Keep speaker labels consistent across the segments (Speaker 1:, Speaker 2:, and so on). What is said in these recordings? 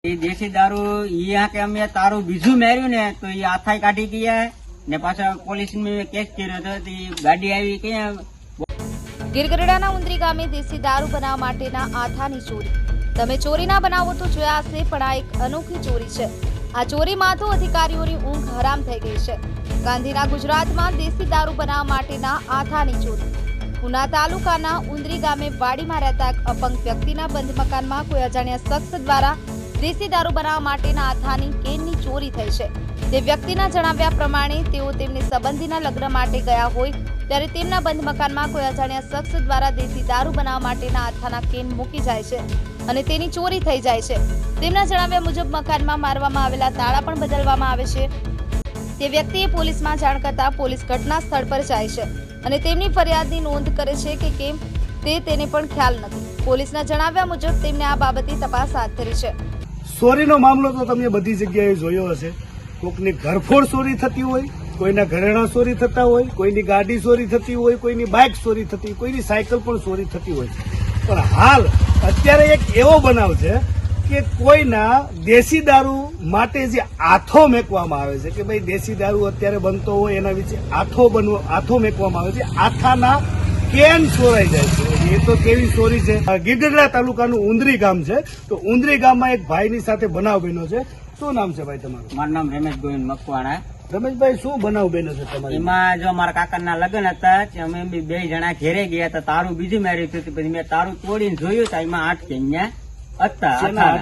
Speaker 1: એ દેશી દારૂ ઈ કે અમે તારું બીજું મેર્યું ને તો એ આથાઈ કાઢી ગયા ને પાછા પોલીસ કેસ કર્યો હતો. ગાડી આવી ક્યાં
Speaker 2: ગીર ગઢડાના ઉંદરી ગામે દેશી દારૂ બનાવવા માટેના આથાની ચોરી. તમે ચોરીના બનાવો તો જોયા હશે, પણ આ એક અનોખી ચોરી છે. આ ચોરીમાં તો અધિકારીઓની ઊંઘ હરામ થઈ ગઈ છે. ગાંધીના ગુજરાતમાં દેશી દારૂ બનાવવા માટેના આથાની ચોરી. ઉના તાલુકાના ઉંદરી ગામે વાડીમાં રહેતા એક અપંગ વ્યક્તિના બંધ મકાનમાં કોઈ અજાણ્યા શખ્સ દ્વારા દેશી દારૂ બનાવવા માટેના આથાની કેનની ચોરી થઈ છે. તે વ્યક્તિના જણાવ્યા પ્રમાણે તેઓ તેમની સંબંધીના લગ્ન માટે ગયા હોય ત્યારે તેમના બંધ મકાનમાં કોઈ અજાણ્યા શખ્સ દ્વારા દેશી દારૂ બનાવવા માટેના આથાના કેન મૂકી જાય છે અને તેની ચોરી થઈ જાય છે. તેમના જણાવ્યા મુજબ મકાનમાં મારવામાં આવેલા તાળા પણ બદલવામાં આવે છે. તે વ્યક્તિએ પોલીસમાં જાણ કરતા પોલીસ ઘટના સ્થળ પર જાય છે અને તેમની ફરિયાદની નોંધ કરે છે કે કેમ તેને પણ ખ્યાલ નથી. પોલીસના જણાવ્યા મુજબ તેમને આ બાબતે તપાસ હાથ ધરી છે.
Speaker 3: ચોરીનો મામલો તો તમે બધી જગ્યાએ જોયો હશે. કોઈકની ઘરફોડ ચોરી થતી હોય, કોઈના ઘરેણા ચોરી થતા હોય, કોઈની ગાડી ચોરી થતી હોય, કોઈની બાઇક ચોરી થતી હોય, કોઈની સાયકલ પણ ચોરી થતી હોય. પણ હાલ અત્યારે એક એવો બનાવ છે કે કોઈના દેશી દારૂ માટે જે આથો મેકવામાં આવે છે કે ભાઈ દેશી દારૂ અત્યારે બનતો હોય એના વિશે આથો મેકવામાં આવે છે. આથાના કેન ચોરાઈ જાય છે. એ તો કેવી ચોરી છે. ગીર ગઢડા તાલુકાનું ઉંદરી ગામ છે. તો ઉંદરી ગામમાં એક ભાઈની સાથે બનાવ બન્યો છે. શું નામ છે ભાઈ તમારું?
Speaker 1: મારું નામ રમેશ ગોવિંદ મકવાણા.
Speaker 3: રમેશભાઈ, શું બનાવ બન્યો છે તમારે?
Speaker 1: એમાં જો મારા કાકાના લગ્ન હતા, અમે બે જણા ઘેરે ગયા હતા. તારું બીજું મેર્યું હતું. પછી મેં તારું તોડીને જોયું તો એમાં 8 કેન હતા.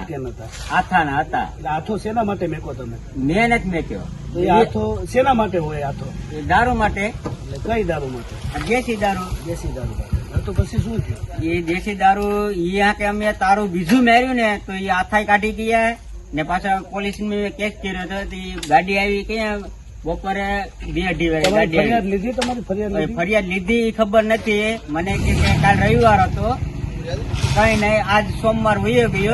Speaker 1: આથાના હતા.
Speaker 3: આથો શેના માટે મેકો તમે?
Speaker 1: મેં નથી મેક્યો.
Speaker 3: તો એ આથો શેના માટે હોય? આથો
Speaker 1: એ દારૂ માટે.
Speaker 3: કઈ દારૂ માટે?
Speaker 1: દેશી દારૂ.
Speaker 3: દેશી દારૂ માટે. તો પછી શું થયું?
Speaker 1: એ દેશી દારૂ ઈ કે અમે તારું બીજું મેર્યું ને તો એ આથાઈ કાઢી ગયા ને પાછા પોલીસ કેસ કર્યો હતો. ગાડી આવી ક્યાં બપોરે 2:30 વાગે ગાડી
Speaker 3: ફરિયાદ લીધી? તમારી
Speaker 1: ફરિયાદ લીધી ખબર નથી મને કે કાલ રવિવાર હતો, કઈ નહીં. આજ સોમવાર વયો ગયો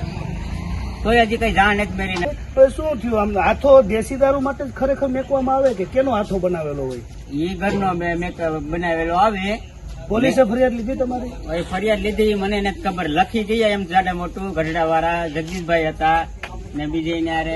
Speaker 1: તો હજી કઈ જાણ નથી મેરી.
Speaker 3: શું થયું? આમ આથો દેશી દારૂ માટે જ ખરેખર મેકવામાં આવે કે કેનો આથો બનાવેલો હોય?
Speaker 1: એ ઘરનો બનાવેલો આવે.
Speaker 3: પોલીસે ફરિયાદ લીધી તમારી?
Speaker 1: ફરિયાદ લીધી મને નથી ખબર. લખી ગયા એમ જાડે મોટું. ગઢડા વાળા જગદીશભાઈ હતા ને બીજે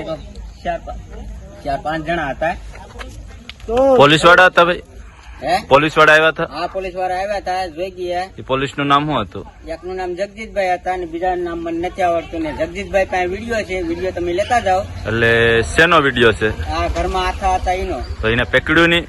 Speaker 1: 4-5 જણા હતા.
Speaker 4: તો પોલીસ વાળા હતા ભાઈ? પોલીસ વાળા આવ્યા હતા?
Speaker 1: હા, પોલીસ વાળા આવ્યા હતા, જોઈ ગયા.
Speaker 4: પોલીસ નું નામ શું હતું?
Speaker 1: એકનું નામ જગદીશભાઈ હતા અને બીજા નામ મને નથી આવડતું. ને જગદીશભાઈ પાસે વિડીયો છે, વિડીયો તમે લેતા જાઓ.
Speaker 4: એટલે શેનો વિડીયો છે?
Speaker 1: આ ઘરમાં આથા હતા એનો.
Speaker 4: તો એને પકડ્યું નહીં?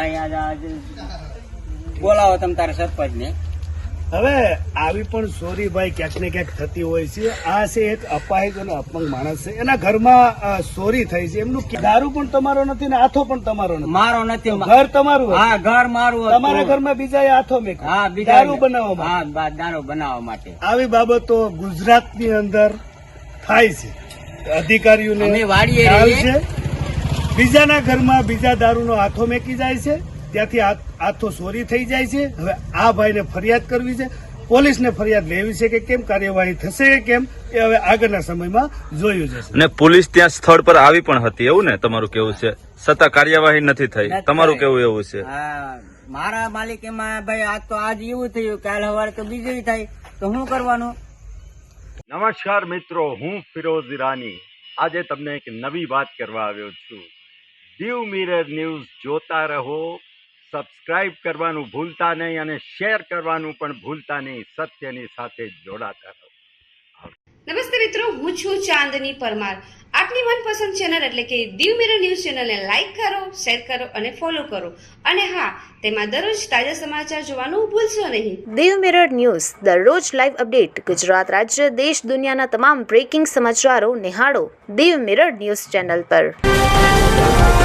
Speaker 1: બોલાવો તમે તારા સરપંચ ને.
Speaker 3: હવે આવી પણ ચોરી ભાઈ ક્યાંક ને ક્યાંક થતી હોય છે. આ છે એક અપાહિજ અને અપંગ માણસ છે, એના ઘરમાં ચોરી થઈ છે. એમનું દારૂ પણ તમારો નથી ને આથો પણ તમારો નથી.
Speaker 1: મારો નથી.
Speaker 3: ઘર તમારું?
Speaker 1: હા, ઘર મારું.
Speaker 3: તમારા ઘરમાં બીજા આથો મેં?
Speaker 1: હા,
Speaker 3: દારૂ બનાવવા માટે.
Speaker 1: હા, દારૂ બનાવવા માટે.
Speaker 3: આવી બાબતો ગુજરાતની અંદર થાય છે. અધિકારીઓને ખ્યાલ છે. બીજાના ઘરમાં બીજા દારૂનો આથો મેકી જાય છે, ત્યાંથી આથો ચોરી થઈ જાય છે. હવે આ ભાઈને ફરિયાદ કરવી છે, પોલીસને ફરિયાદ લેવી છે કે કેમ કાર્યવાહી થશે કે કેમ એ હવે આગળના સમયમાં જોયું જશે.
Speaker 4: અને પોલીસ ત્યાં સ્થળ પર આવી પણ હતી એવું ને તમારું કેવું છે? છતાં કાર્યવાહી નથી થઈ. તમારું કેવું એવું છે?
Speaker 1: મારા માલિક એમાં ભાઈ આજ તો આજ એવું થયું, કાલ સવારે તો બીજું થાય તો શું કરવાનું?
Speaker 5: નમસ્કાર મિત્રો, હું ફિરોઝ ઈરાની આજે તમને એક નવી વાત કરવા આવ્યો છું. દીવ મિરર ન્યૂઝ જોતા રહો, સબસ્ક્રાઇબ કરવાનું ભૂલતા નહીં અને શેર કરવાનું પણ ભૂલતા નહીં. સત્યની સાથે જોડાતા રહો.
Speaker 6: નમસ્તે મિત્રો, હું છું ચાંદની પરમાર. આપની મનપસંદ ચેનલ એટલે કે દીવ મિરર ન્યૂઝ ચેનલને લાઈક કરો, શેર કરો અને ફોલો કરો. અને હા, તેમાં દરરોજ તાજા સમાચાર જોવાનું ભૂલશો નહીં.
Speaker 7: દીવ મિરર ન્યૂઝ દરરોજ લાઈવ અપડેટ. ગુજરાત રાજ્ય, દેશ, દુનિયાના તમામ બ્રેકિંગ સમાચારો નિહાળો દીવ મિરર ન્યૂઝ ચેનલ પર.